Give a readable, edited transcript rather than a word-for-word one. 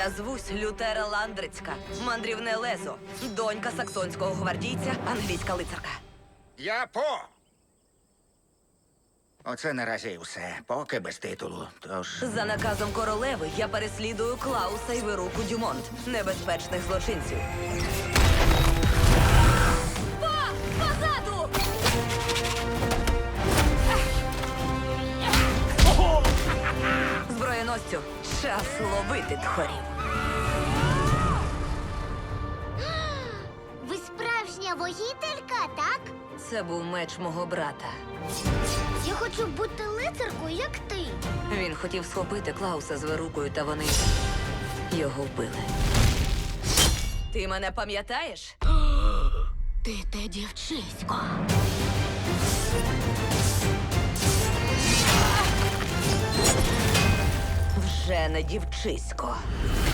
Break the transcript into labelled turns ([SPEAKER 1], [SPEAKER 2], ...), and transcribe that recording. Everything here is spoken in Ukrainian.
[SPEAKER 1] Я звусь Лютера Ландрицька, мандрівне лезо, донька саксонського гвардійця, англійська лицарка.
[SPEAKER 2] Я По. Оце наразі і все. Поки без титулу. Тож.
[SPEAKER 1] За наказом королеви я переслідую Клауса і Веруку Дюмонт, небезпечних злочинців. Позаду! Зброєносцю, час ловити тхорів.
[SPEAKER 3] Ви справжня воїтелька, так?
[SPEAKER 1] Це був меч мого брата.
[SPEAKER 3] Я хочу бути лицаркою, як ти.
[SPEAKER 1] Він хотів схопити Клауса з Верукою, та вони його вбили. Ти мене пам'ятаєш?
[SPEAKER 3] Ти те дівчисько.
[SPEAKER 1] Вже не дівчисько.